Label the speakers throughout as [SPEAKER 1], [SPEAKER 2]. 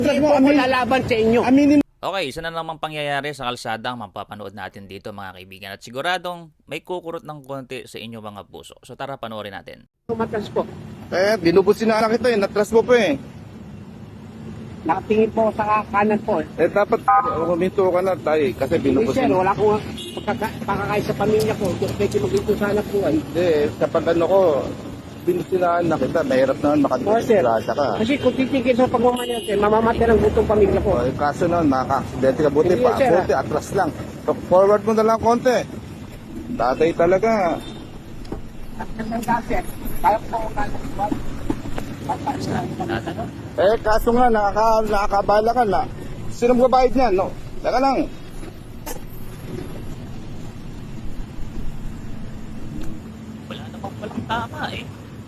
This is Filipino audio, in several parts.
[SPEAKER 1] Hindi po ako lalaban sa inyo.
[SPEAKER 2] Aminin
[SPEAKER 3] Okay, isa na namang pangyayari sa kalsada ang mapapanood natin dito mga kaibigan at siguradong may kukurot ng konti sa inyo mga puso. So tara panoorin natin.
[SPEAKER 1] Tumatras po.
[SPEAKER 2] binubusin na kita natras mo pa
[SPEAKER 1] Nakatingin po sa kanan po.
[SPEAKER 2] dapat huminto ka na tayo kasi
[SPEAKER 1] Hindi sir, wala akong pakakain sa pamilya ko. Kung pwede mag-ito sa anak ko ay.
[SPEAKER 2] Hindi, sa pagano ko, binusinaan na kita, mahirap naman
[SPEAKER 1] Oo, sir.
[SPEAKER 2] makadisgrasya ka.
[SPEAKER 1] Kasi kung titigil sa pagmamanya sir, mamamatay ang gutong pamilya ko.
[SPEAKER 2] Yung kaso naman, makaka-aksidente ka, buti
[SPEAKER 1] Hindi,
[SPEAKER 2] pa,
[SPEAKER 1] sir,
[SPEAKER 2] buti, atras lang. Forward mo na lang konti. Tatay talaga.
[SPEAKER 1] Sir, kaya po ako
[SPEAKER 2] Kaso nga, nakakabala ka na. Sino magbabayad niyan, no? Teka lang.
[SPEAKER 3] Wala namang walang tama eh.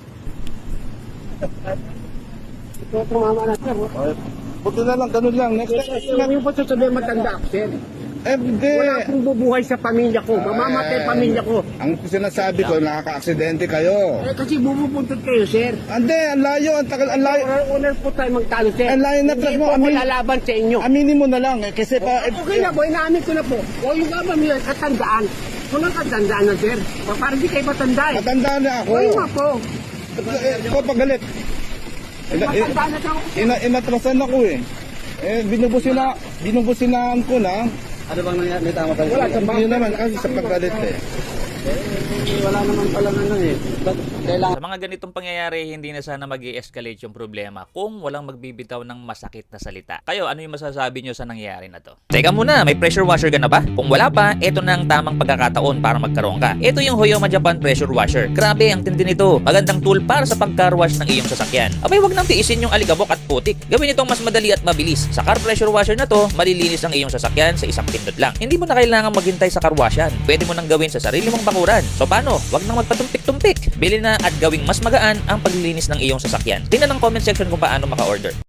[SPEAKER 1] Ito tumama na sir.
[SPEAKER 2] Buti na lang, ganun lang. Next time,
[SPEAKER 1] Sinabi po sasabihin matanda ako sir.
[SPEAKER 2] hindi.
[SPEAKER 1] Wala akong bubuhay sa pamilya ko. Mamamatay pamilya ko.
[SPEAKER 2] Ang sinasabi ko, nakaka-aksidente kayo.
[SPEAKER 1] Kasi bumupuntot kayo sir.
[SPEAKER 2] Hindi, ang layo, ang tagal, ang layo.
[SPEAKER 1] Una po tayo magtalo sir.
[SPEAKER 2] Ang layo na
[SPEAKER 1] Hindi
[SPEAKER 2] mo,
[SPEAKER 1] po ako lalaban sa inyo.
[SPEAKER 2] Aminin mo na lang, kasi pa...
[SPEAKER 1] Okay na po, inaamin ko na po. O yung ba may katandaan. Kung ang katandaan na sir. Parang di kayo matanda eh.
[SPEAKER 2] Matanda na ako.
[SPEAKER 1] O yung nga po.
[SPEAKER 2] Ikaw pagalit.
[SPEAKER 1] Matanda na ako.
[SPEAKER 2] Inatrasan ako eh. Binubusinaan ko na.
[SPEAKER 1] Ano bang nangyari? May tama tayo. Wala,
[SPEAKER 2] Yun naman kasi sa paggalit eh.
[SPEAKER 1] wala naman palang ano eh. Kailangan.
[SPEAKER 3] Sa mga ganitong pangyayari, hindi na sana mag-i-escalate yung problema kung walang magbibitaw ng masakit na salita. Kayo, ano yung masasabi nyo sa nangyayari na to? Teka muna, may pressure washer ka na ba? Kung wala pa, ito na ang tamang pagkakataon para magkaroon ka. Ito yung Hoyoma Japan pressure washer. Grabe, ang tindi nito. Magandang tool para sa pag-car-wash ng iyong sasakyan. Abay, wag nang tiisin yung aligabok at putik. Gawin itong mas madali at mabilis. Sa car pressure washer na to, malilinis ang iyong sasakyan sa isang pindot lang. Hindi mo na kailangan maghintay sa car-washan. Pwede mo nang gawin sa sarili mong bakuran. So paano? Wag nang magpatumpik-tumpik. Bili na at gawing mas magaan ang paglilinis ng iyong sasakyan. Tingnan ang comment section kung paano maka-order.